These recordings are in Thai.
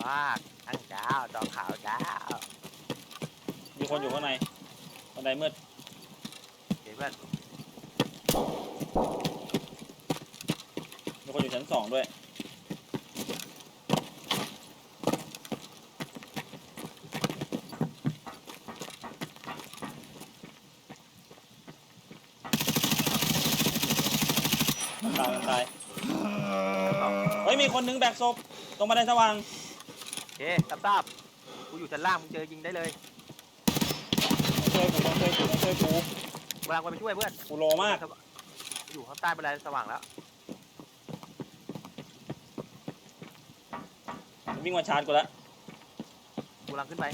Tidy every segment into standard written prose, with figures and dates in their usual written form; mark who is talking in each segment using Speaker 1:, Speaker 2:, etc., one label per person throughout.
Speaker 1: มากทั้งดาวจอขาวดาว
Speaker 2: มีคนอยู่ข้างในบันไดมืด
Speaker 1: เห็นเพื่อน
Speaker 2: มีคนอยู่ชั้น2ด้วยตายเฮ้ยมีคนนึงแบกศพตรงบันไดสว่าง
Speaker 1: โอเคทราบกูอยู่ชั้นล่างมึงเจอยิงได้เลย
Speaker 2: ต้องช่วยกู
Speaker 1: กำลังไปช่วยเพื่อน
Speaker 2: กูโลมาก
Speaker 1: อยู่ข้างใต้บันไดสว่างแล้ว
Speaker 2: วิ่งมาชาร์จกูแล้ว
Speaker 1: กูกำลังขึ้นไป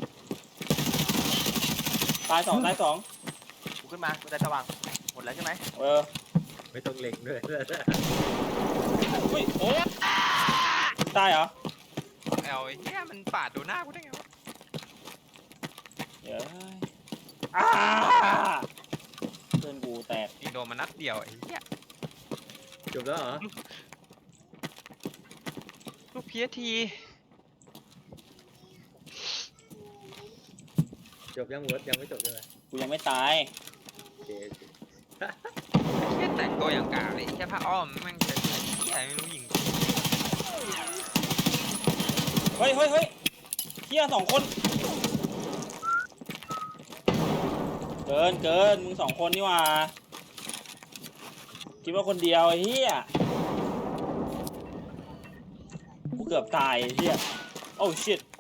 Speaker 2: ตายสอง
Speaker 1: กูขึ้นมาบันไดสว่างหมดแล้วใช่ไหม
Speaker 3: ไม่ต้องเล็งด้วย
Speaker 2: อุ้ยโอ้ตายเหรอ
Speaker 4: เอาไอ้เหี้ยมันปาดโดนหน้ากูได้ไงวะ
Speaker 2: เดี๋ยวเพื่อนกูแตก
Speaker 4: ยิงโดนมานัดเดียวไอ้เหี้ย
Speaker 3: จบแล้วเหรอ
Speaker 4: ลูกเพียที
Speaker 3: จบยังเวิร์ดยังไม่จบใช่ไหม
Speaker 2: กูยังไม่ตาย
Speaker 3: โอเค
Speaker 4: เหี้ยแต่งตัวอย่างกากเลยแค่ผ้าอ้อมแม่งจะเหี้ยไม่รู้ยิง
Speaker 2: เฮ้ยเฮีย2 คนเกินมึง2 คนนี่หว่าคิดว่าคนเดียวไอ้เฮียกูเกือบตายไอ้เฮียโอ้ชิต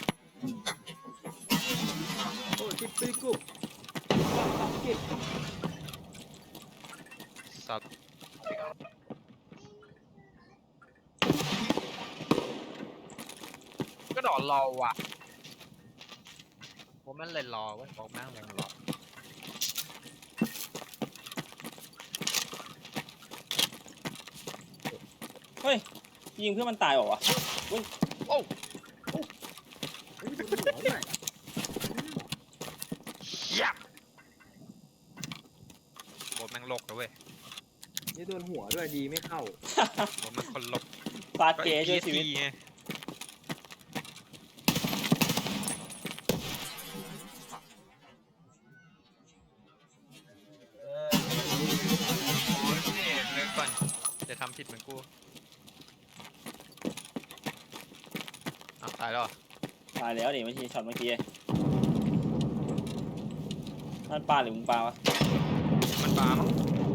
Speaker 3: โอ้ชิปปี้กุ๊บ
Speaker 4: สับก็ดอรอว่ะผมมันเลยรอเว้ยบอกแม่งเลยรอ
Speaker 2: เฮ้ยยิงเพื่อนมันตายเหรอวะ
Speaker 4: โอ้
Speaker 3: เฮ้ยโดนหัวหน่อย
Speaker 4: เหี้ยบทแม่งลกนะเว้ย
Speaker 3: นี่โดนหัวด้วยดีไม่เข้า
Speaker 4: บทแม่งคนลก
Speaker 2: ฟาดเก๋ช่วยชีวิต
Speaker 4: ไงเลิกก่อนจะทำผิดเหมือนกูอ้าวตายแล้วเหรอ
Speaker 2: ตายแล้วดิไม่ใช่ช็อตเมื่อกี้มันปลาหรือมึงปลาวะ
Speaker 4: มันปลามั้ง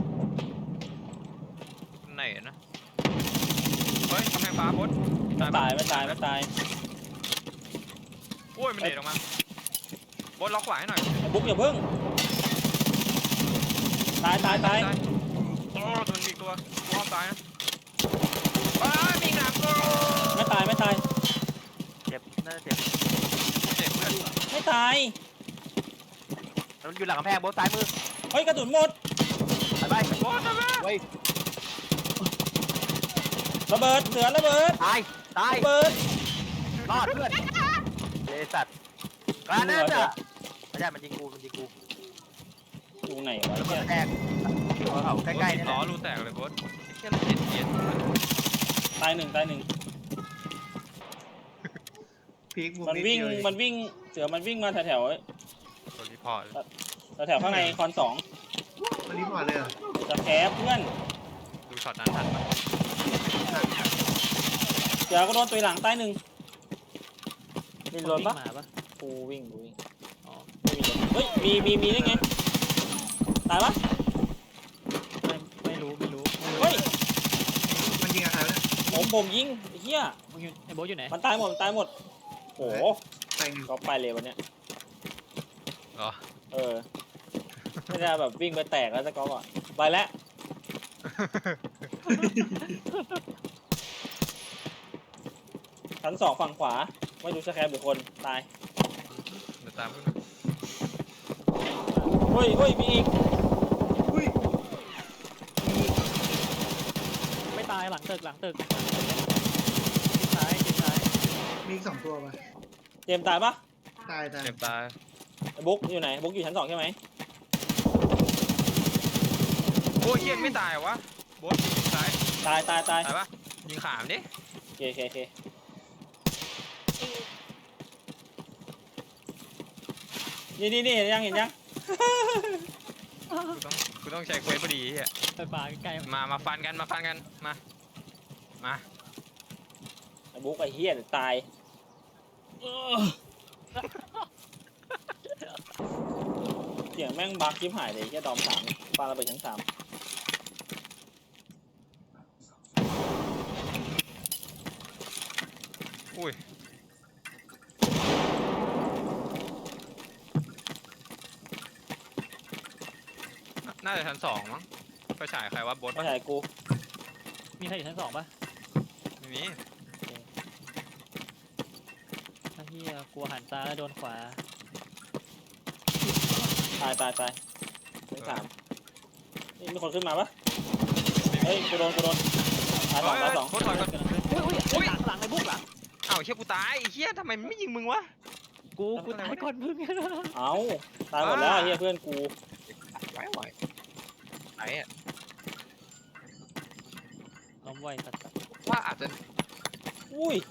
Speaker 4: ไหนนะเฮ้ยกำแพงปลาบด
Speaker 2: ไม่ตาย
Speaker 4: โอ้ยมันเด็ดออกมาบดล็อกขวาให้หน่อย
Speaker 2: ไอ้บุ๊กอย่าพึ่งตาย
Speaker 4: โอ้มันมีตัวกูห้ามตายนะอ้ามีหนักกู
Speaker 2: ไม่ตาย
Speaker 1: เจ็บน่าจะเจ็บ
Speaker 4: เจ็บเพื่อน
Speaker 2: ไม่ตาย
Speaker 1: แล้วมันอยู่หลังกำแพงบนซ้ายมือ
Speaker 2: เฮ้ยกระสุนหมด
Speaker 1: ไป
Speaker 4: บดนะแม่
Speaker 1: เว้ย
Speaker 2: ระเบิดเสือระเบิด
Speaker 1: ตาย
Speaker 2: ระเบิด
Speaker 1: รอดเพื่อนเลสัตว์กระนั้นอ่ะไม่ใช่มันยิงกู
Speaker 2: อยู่ไหนวะ
Speaker 1: แล้วก็
Speaker 2: เนี่ย
Speaker 1: แทงอยู่เขาใกล้ๆนี่แห
Speaker 4: ล้อ
Speaker 1: ละ
Speaker 4: รูแตกเลยบดเชี่ยมันเจ็บเจ็บ
Speaker 2: ตายหนึ่ง
Speaker 5: พีกมุม
Speaker 2: มัน
Speaker 5: นิด
Speaker 2: วิ่ง
Speaker 5: เดียวเอง
Speaker 2: มันวิ่งเสือมันวิ่งมาแถว
Speaker 4: ตัวรีพอร์ต
Speaker 2: แถวข้างในคอน2
Speaker 5: มันรีพอร์ตเลยเหรอ
Speaker 2: จะแคปเพื่อน
Speaker 4: ดูช็อตนั้นทันปะ
Speaker 2: เสือก็โดนตัวหลังตาย1มีรถปะกูวิ่งอ๋อไม่มีรถเฮ้ยมีได้ไงตายปะ
Speaker 6: ไม่รู้
Speaker 2: เฮ้ย
Speaker 5: มันยิงอะไรวะเนี่ย
Speaker 2: ผมยิงไอ้เหี้ย
Speaker 6: มึงอยู่ไอ้โบ๊ทอยู่ไหน
Speaker 2: มันตายหมดโอ้โห
Speaker 5: ไปหนึ่ง
Speaker 2: ก็ไปเลยวันเนี้ย
Speaker 4: เหรอ
Speaker 2: ไม่ได้แบบวิ่งไปแตกแล้วจะก็ก่อนไปแล้วชั้น2ฝั่งขวาไม่รู้จะแคปหรือคนตาย
Speaker 4: เดี๋ยวตามขึ้นมา
Speaker 2: เฮ้ยมีอีก
Speaker 5: อุ้ย
Speaker 6: ไม่ตายหลังตึกทิศซ้าย
Speaker 5: มีอีก2 ตัวป่ะ
Speaker 2: เจมส์ตายปะ
Speaker 5: ตาย
Speaker 4: เจ็บตาย
Speaker 2: ไอ้บุ๊กอยู่ไหนบุ๊กอยู่ชั้น2ใช่ไหม
Speaker 4: โอ้ยเฮียไม่ตายเหรอวะบดยิงซ้าย
Speaker 2: ตาย
Speaker 4: ตายปะยิงขามดิ
Speaker 2: โอเคนี่เห็นยัง
Speaker 4: กูต้องใช้เควสพอดีเฮีย
Speaker 6: ไปปลาใกล้ๆ
Speaker 4: มาฟันกันมา
Speaker 2: ไอ้บุ๊กไอ้เฮียเดี๋ยวตายเสียงแม่งบักชิบหายเลยแค่ดอม3ปาระเบิดชั้น3
Speaker 4: อุ้ยน่าจะชั้น2มั้งไปฉายใครวะบด
Speaker 2: ไม่ใช่กู
Speaker 6: มีใครอยู่ชั้น 2ปะ
Speaker 4: ไม่มี
Speaker 6: ไอ้เหี้ยกลัวหันซ้ายแล้วโดนขวา
Speaker 2: ตายชั้น3นี่มีคนขึ้นมาปะเฮ้ยกูโดนตายสอง
Speaker 4: โคตรถอยก่อน
Speaker 6: อุ้ยหลังในบุกหลัง
Speaker 4: อ้าวเฮียกูตายไอ้เฮียทำไมมันไม่ยิงมึงวะ
Speaker 6: กูตายก่อนมึง
Speaker 2: เอ้าตายหมดแล้วเฮียเพื่อนกู
Speaker 4: ไหวไหนอ่ะ
Speaker 6: ล้มไวสัตว์
Speaker 4: ว่าอาจจะ
Speaker 2: อุ้ย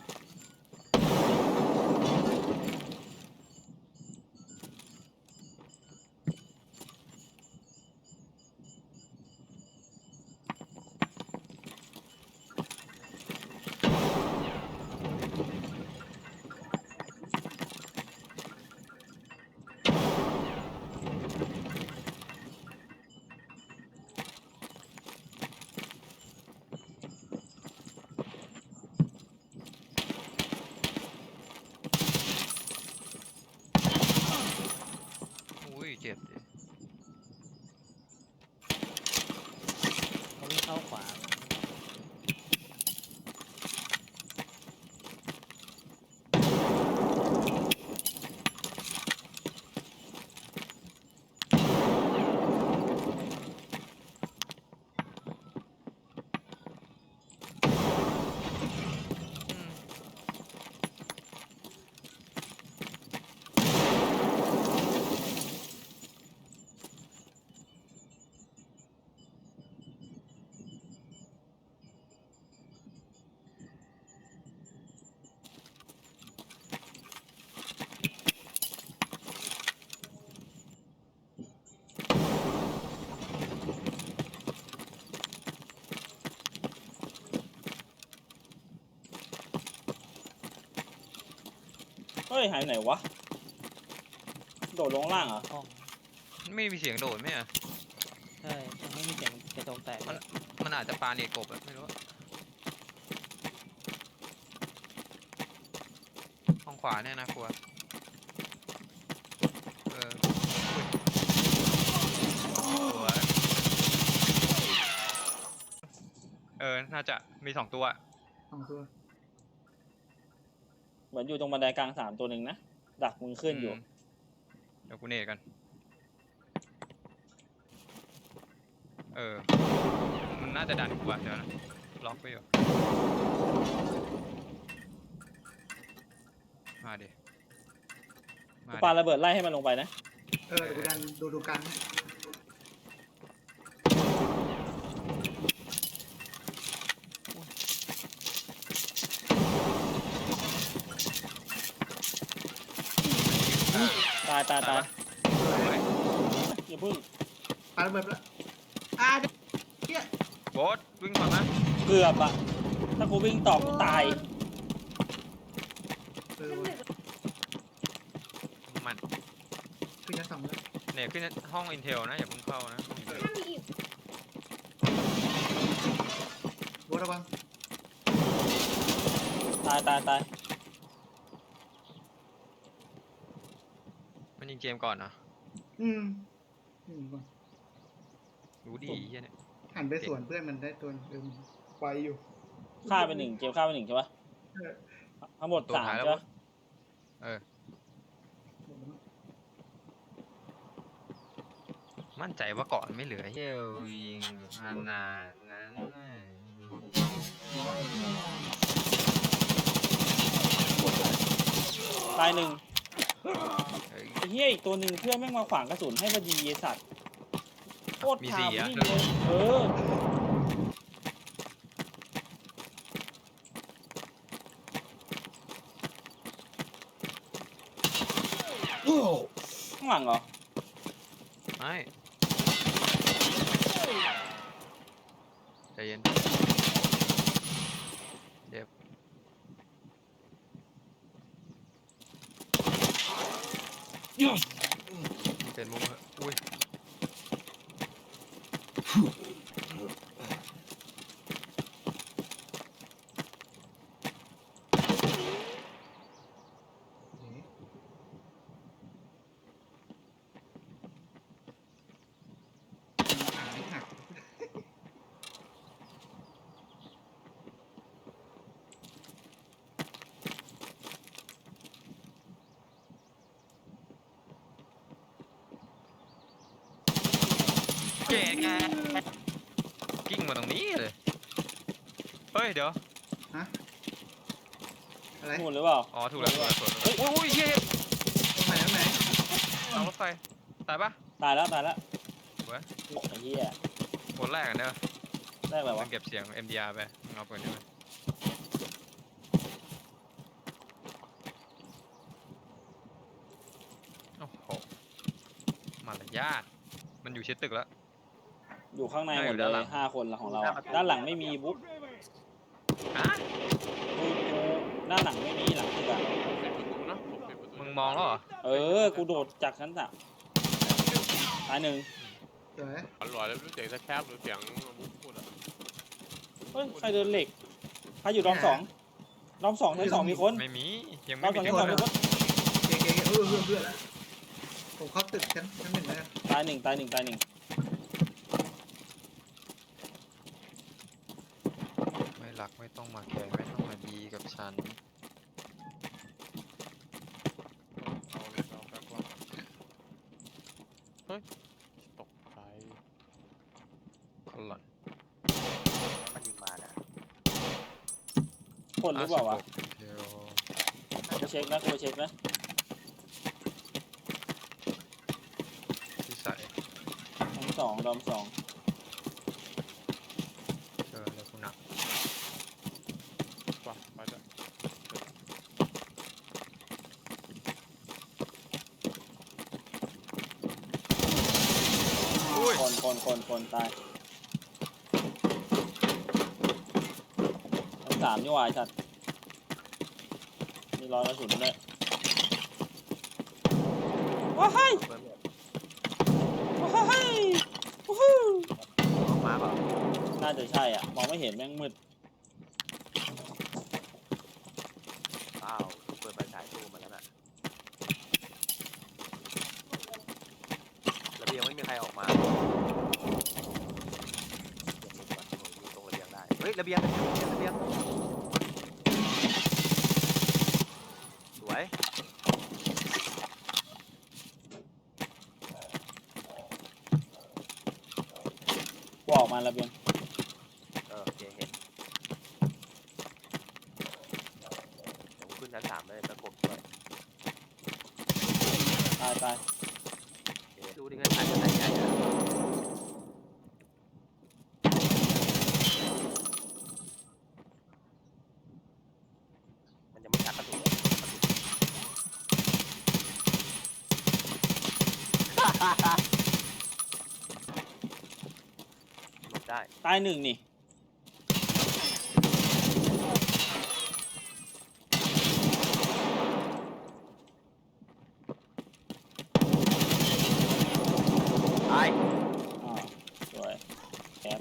Speaker 4: อุ้ยเจ็บดิ
Speaker 6: เขาวิ่งเข้าขวา
Speaker 4: อืม
Speaker 2: เฮ้ยหายไหนวะโดดลงล่างเหรอ
Speaker 6: ห้อง
Speaker 4: ไม่มีเสียงโดดไหมอ่ะ
Speaker 6: ใช่ยังไม่มีเสียงกระจกแตกเลย
Speaker 4: มันอาจจะปาเนกบอะไม่รู้อะห้องขวาเนี่ยนะครัวอุ้ยน่าจะมี2 ตัว
Speaker 5: 2 ตัว
Speaker 2: เหมือนอยู่ตรงบันไดกลาง3ตัวหนึ่งนะดักมึงขึ้นอยู่
Speaker 4: เดี๋ยวกูเนตกันมันน่าจะดันกูอะเดี๋ยวนะล็อกไปอยู่มาดิ
Speaker 2: กูปาระเบิดไล่ให้มันลงไปนะ
Speaker 5: เดี๋ยวกูดันดูกันให้
Speaker 2: ตาย
Speaker 4: สวย
Speaker 2: อย่าพึ่ง
Speaker 5: ปาระเบิดแล้วเดี๋ยว
Speaker 4: โบ๊ทวิ่งก่อนนะ
Speaker 2: เกือบอะถ้ากูวิ่งต่อกูตาย
Speaker 5: ว่ะ
Speaker 4: มัน
Speaker 5: ขึ้นชั้น 2แล้ว
Speaker 4: เนี่ยขึ้นห้องอินเทลนะอย่าเพิ่งเข้านะห้อง Intel
Speaker 5: โบทระวัง
Speaker 2: ตาย
Speaker 4: มันยิงเกมก่อนนะ
Speaker 5: อืมก่อน
Speaker 4: รู้ดีเฮียเนี่ย
Speaker 5: หันไปสวนเพื่อนมันได้ตัวไปอยู่
Speaker 2: ฆ่าไป1เกมฆ่าไป1ใช่ปะ
Speaker 5: เออ
Speaker 2: ทั้งหมด
Speaker 4: ตัว
Speaker 2: 3
Speaker 4: ท้ายแล้ว
Speaker 2: ใช่
Speaker 4: วะ
Speaker 2: ปะ
Speaker 4: มั่นใจว่าก่อนไม่เหลือเฮียยิงขนาดนั้น
Speaker 2: ตาย1
Speaker 4: เฮ้ย
Speaker 2: ไอ้เหี้ยอีกตัวหนึ่งเพื่อนแม่งมาขวางกระสุนให้พอดีไอ้สัตว์โคตร
Speaker 4: มี
Speaker 2: พา
Speaker 4: 4
Speaker 2: วิ่
Speaker 4: อ่ะ
Speaker 2: งเลยข้างหลังเหรอ
Speaker 4: ไม่ใจเย็นเจ็บเป็นมุมเหอะอุ้ย
Speaker 5: หายหัก
Speaker 4: เก๋ไงกิ้งมาตรงนี้เลยเฮ้ยเดี๋ยว
Speaker 5: ฮะอะไร
Speaker 2: หมุนหรือเปล่า
Speaker 4: อ๋อถูกแล้วถูกแล้วถูกแล้วอุ้ยเฮ้ย
Speaker 5: ตรงไหนตรงไหน
Speaker 4: เอารถไฟตายปะ
Speaker 2: ตายแล้วตายแล้ว
Speaker 4: เว้ย
Speaker 2: โอ้ไอ้เหี้ย
Speaker 4: คนแรกอะเนอะ
Speaker 2: ได้แบบ
Speaker 4: มั
Speaker 2: วะ
Speaker 4: นเก็บเสียง MDR ไปมึงเอาปืนนี้ไปโอ้โหมารยาทมันอยู่ชิดตึกแล้ว
Speaker 2: อยู่ข้างในหมด
Speaker 4: อยู่
Speaker 2: เล
Speaker 4: ด้านหลั
Speaker 2: ย
Speaker 4: ง
Speaker 2: 5 คนละของเราอะด้านหลังไม่มีบุ๊ก
Speaker 4: ฮะ
Speaker 2: กูด้านหลังไม่มีหลังตึกอะ
Speaker 4: มึงมองแล้วเหรอ
Speaker 2: เออ กูโดดจากชั้น 3ตายหนึ่ง
Speaker 5: เดี๋ยวนะ
Speaker 7: อร่อยแล้วรู้เสียงแคบหรือเสียงมุกพูดอ่ะ
Speaker 2: เฮ้ย ใครเดินเหล็ก ใครอยู่ดอม 2ดอม 2ชั้น 2มีคน
Speaker 4: ไม่มียัง
Speaker 2: ด
Speaker 4: ไม่
Speaker 2: อม
Speaker 4: มี
Speaker 2: 2ชั้น 2มีคน
Speaker 5: เก๋ๆเพื่อนแล้วผมเข้าตึกชั้นหนึ่งแล้วกัน
Speaker 2: ตายหนึ่งตายหนึ่งตายหนึ่ง
Speaker 4: ไม่รักไม่ต้องมาแคร์ไม่ต้องมาดีกับฉัน
Speaker 7: เอาเลยเอาแป๊บว่าเฮ้ยตกใจ
Speaker 4: คนหล่อน
Speaker 1: มันยิงมานะ
Speaker 2: คนหรือเปล่าวะ
Speaker 4: เดี๋ยว
Speaker 2: กูเช็คนะกูเช็คนะ
Speaker 4: ที่ใส่
Speaker 2: ชั้น 2ดอม 2
Speaker 4: เจอเลยคุณหนัก
Speaker 7: ว่ะไปจ้ะ
Speaker 4: อุ้ย
Speaker 2: คนตายชั้น 3นี่หว่าไอ้ชัดมีรอยกระสุนด้วยว้าย
Speaker 1: เปิดหมด
Speaker 2: ว้ายวู้ฮู้
Speaker 1: ออกมาเปล่า
Speaker 2: น่าจะใช่อ่ะ มองไม่เห็นแม่งมืด
Speaker 1: อ้าวเปิดไฟฉายตู้มาแล้วน่ะระเบียงไม่มีใครออกมาอยู่ตรงระเบียงได้เฮ้ยระเบียงสวย
Speaker 2: กูออกมาระเบียง
Speaker 1: โอเคเห็นเดี๋ยวกูขึ้นชั้น 3เลยประกบด้วย
Speaker 2: ตาย
Speaker 1: โอเคดูดิกันถ่ายกันไหนใหญ่อะมันยังไม่ชักกระตุกหลบได้
Speaker 2: ตายหนึ่งนี่
Speaker 1: ตาย
Speaker 2: อ่าสวยแคป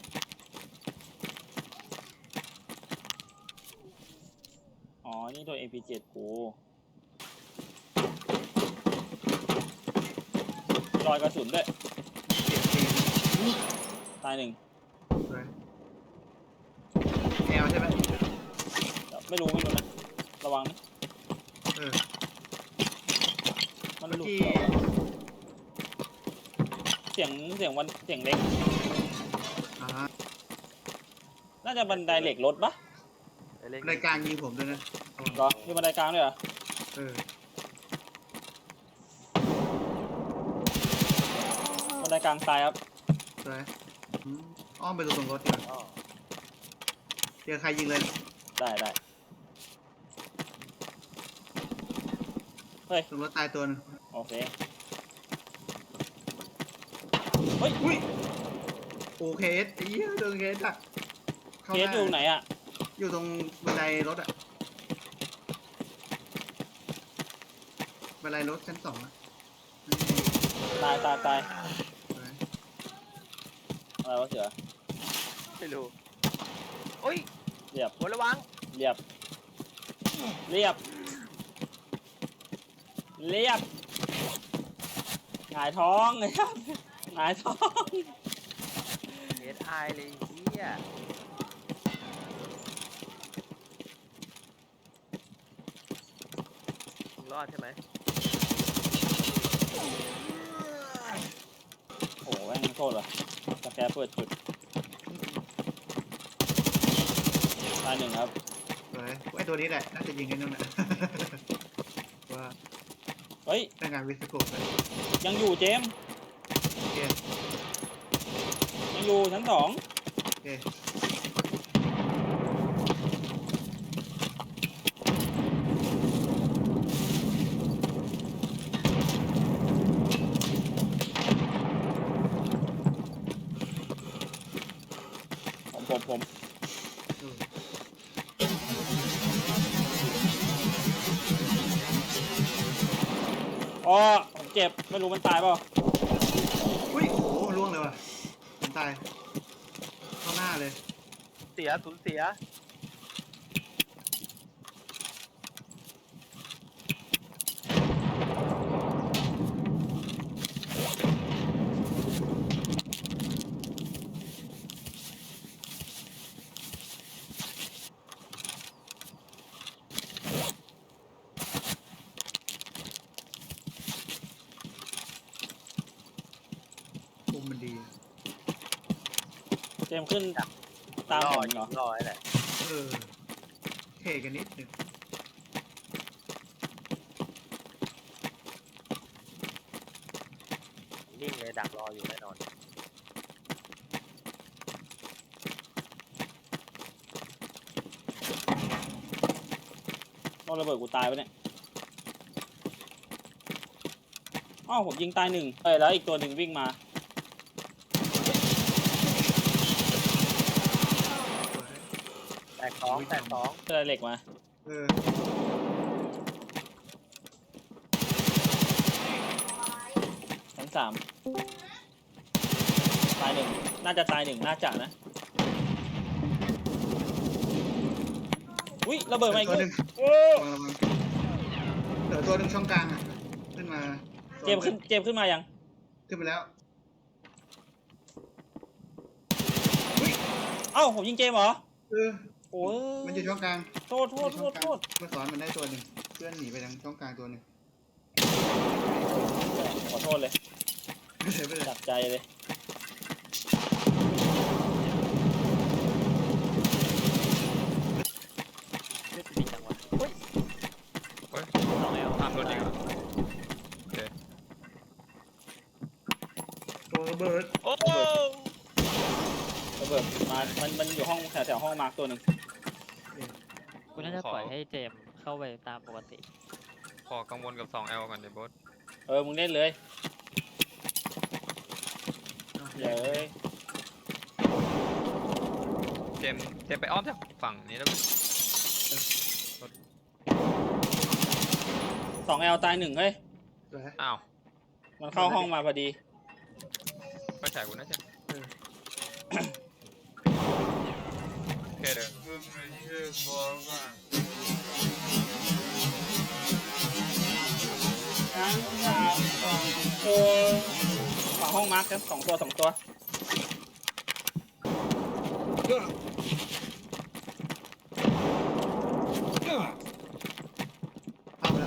Speaker 2: อ๋อ นี่โดน MP7 กูรอยกระสุนด้วย
Speaker 5: เก๋ๆ
Speaker 2: ตายหนึ่ง
Speaker 5: สวยแอลใช่ไหม
Speaker 2: ไม่รู้นะ ระวังนะ
Speaker 5: เออ
Speaker 2: มัน
Speaker 5: เมื่อ
Speaker 2: หลุด
Speaker 5: กี้
Speaker 2: เหรอเสียงเล็ก
Speaker 5: อ่า
Speaker 2: น่าจะบันไดเหล็กรถปะ
Speaker 5: รายการยิงผมด้วยนะ
Speaker 2: เหรอมีบันไดกลางด้วยเหรอ
Speaker 5: เออ
Speaker 2: บันไดกลางตายครับ
Speaker 5: สวยอ้อมไปตรงรถดีกว่า
Speaker 1: อ๋อ
Speaker 5: เจอใครยิงเลย
Speaker 2: ได้เฮ้ย
Speaker 5: ตรงรถตายตัวนึง
Speaker 2: โอเค
Speaker 5: อุ้ยโอเคสไอ้เหี้ยโดนเคสดักเข้า
Speaker 2: เค
Speaker 5: ห
Speaker 2: ส
Speaker 5: น้า
Speaker 2: อยู่ไหนอ่ะ
Speaker 5: อยู่ตรงบันไดรถอ่ะบันไดรถชั้น 2อ่ะ
Speaker 2: ตายตายตาย
Speaker 5: ไป
Speaker 2: อะไรวะเสือ
Speaker 1: ไม่รู้โอ้ย
Speaker 2: เรียบ
Speaker 1: หัวระวัง
Speaker 2: เรียบเรียบเรียบหงายท้องเลยครับหงายท้อง
Speaker 1: เอสไอเลยเฮียรอดใช่ไหม
Speaker 2: โอ้โหแม่งโทษว่ะสแกเปิดจุดตายหนึ่งครับ
Speaker 5: ไปไอ้ตัวนี้แหละน่าจะยิงไอ้นู่นน่ะ ว่า
Speaker 2: เฮ้ย
Speaker 5: ได้งานวิสโกปเลย
Speaker 2: ยังอยู่เจมส์
Speaker 5: โอเค
Speaker 2: ยังอยู่ชั้น2
Speaker 5: โอเค
Speaker 2: ผม
Speaker 5: อืม
Speaker 2: อ๋อผมเจ็บไม่รู้มันตายเปล่า
Speaker 5: อุ้ยโอ้โหล่วงเลยว่ะผมตายเข้าหน้าเลย
Speaker 1: เสียสูญเสีย
Speaker 5: มุมมันดี
Speaker 2: เจมส์ขึ้นตามผมเหรอ
Speaker 1: รอไอ้แหละ
Speaker 5: เออเทกันนิดหนึง
Speaker 1: นิ่งเลยดักรออยู่แน่นอน
Speaker 2: โดนระเบิดกูตายไปเนี่ยอ้าวผมยิงตายหนึ่งเอ้ยแล้วอีกตัวหนึ่งวิ่งมา
Speaker 5: สวย
Speaker 1: แตกสองแตกสอง
Speaker 2: เจอเหล็กมา
Speaker 5: เออ
Speaker 2: ชั้น3ตายหนึ่งน่าจะตายหนึ่งน่าจะนะอุ้ยระเบิดมาอีก
Speaker 5: ตัว
Speaker 2: ลู
Speaker 5: หนึ่
Speaker 2: ก
Speaker 5: ง
Speaker 2: โอ้
Speaker 5: ระวังเหลือตัวหนึ่งช่องกลางอ่ะขึ้นมา
Speaker 2: เจมส์ขึ้นมายัง
Speaker 5: ขึ้นไปแล้ว
Speaker 2: เอ้าผมยิงเจมส์เหรอ
Speaker 5: เออ
Speaker 2: โอ้ย
Speaker 5: มันอยู่ช่องกลาง
Speaker 2: โทษ
Speaker 5: เมื่อสอนมันได้ตัวหนึ่งเพื่อนหนีไปทางช่องกลางตัวหนึ่ง
Speaker 2: ขอโทษเลย
Speaker 5: ไม่ใช่ไม่ใช่
Speaker 2: จับใจเลย
Speaker 6: เลือดดีจังวะ
Speaker 4: เฮ้ย
Speaker 6: สองแอล
Speaker 4: ตามรถอีกเหรอ
Speaker 5: ตัวระเบิด
Speaker 4: โอ้
Speaker 2: ระเบิดมามันอยู่ห้องแถวห้องมาร์กตัวหนึ่ง
Speaker 6: กูน่าจะปล่อยให้เจมส์เข้าไปตามปกติ
Speaker 4: ขอกังวลกับ 2L ก่อนเดี๋ยวบอส
Speaker 2: มึงเล่นเลยเดี๋ยว
Speaker 4: เจมส์ไปอ้อมจากฝั่งนี้แล้ว
Speaker 2: 2L ตายหนึ่งเฮ้ย
Speaker 5: สวย
Speaker 4: อ้าว
Speaker 2: มันเข้าห้องมาพอดี
Speaker 4: ไปฉายกูนะเจมส์โอเคเด้อ
Speaker 2: ฝั่งห้องมาร์กครับ2 ตัว 2 ตัว
Speaker 5: เข้าไปแล้ว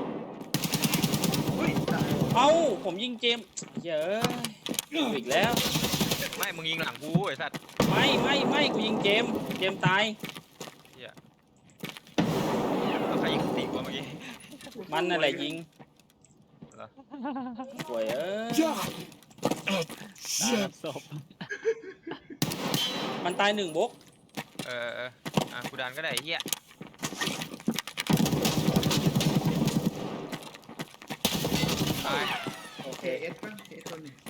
Speaker 5: อุ้ยตาย
Speaker 2: เอ้าผมยิงเจมส์เยอะอีกแล้ว
Speaker 4: ไม่มึงยิงหลังกูไอ้สัตว์
Speaker 2: ไม่กูยิงเจมส์ตาย
Speaker 4: เฮียแล้วใครยิงติวะเมื่อกี้
Speaker 2: มันนั่นแหละยิง
Speaker 4: เหรอ
Speaker 2: สวย
Speaker 6: ตามศพ
Speaker 2: มันตาย1บก
Speaker 4: กูดันก็ได้ไอ้เฮียตาย
Speaker 2: โอเค
Speaker 5: เคเอสป่ะเคเอสตัวหนึ่ง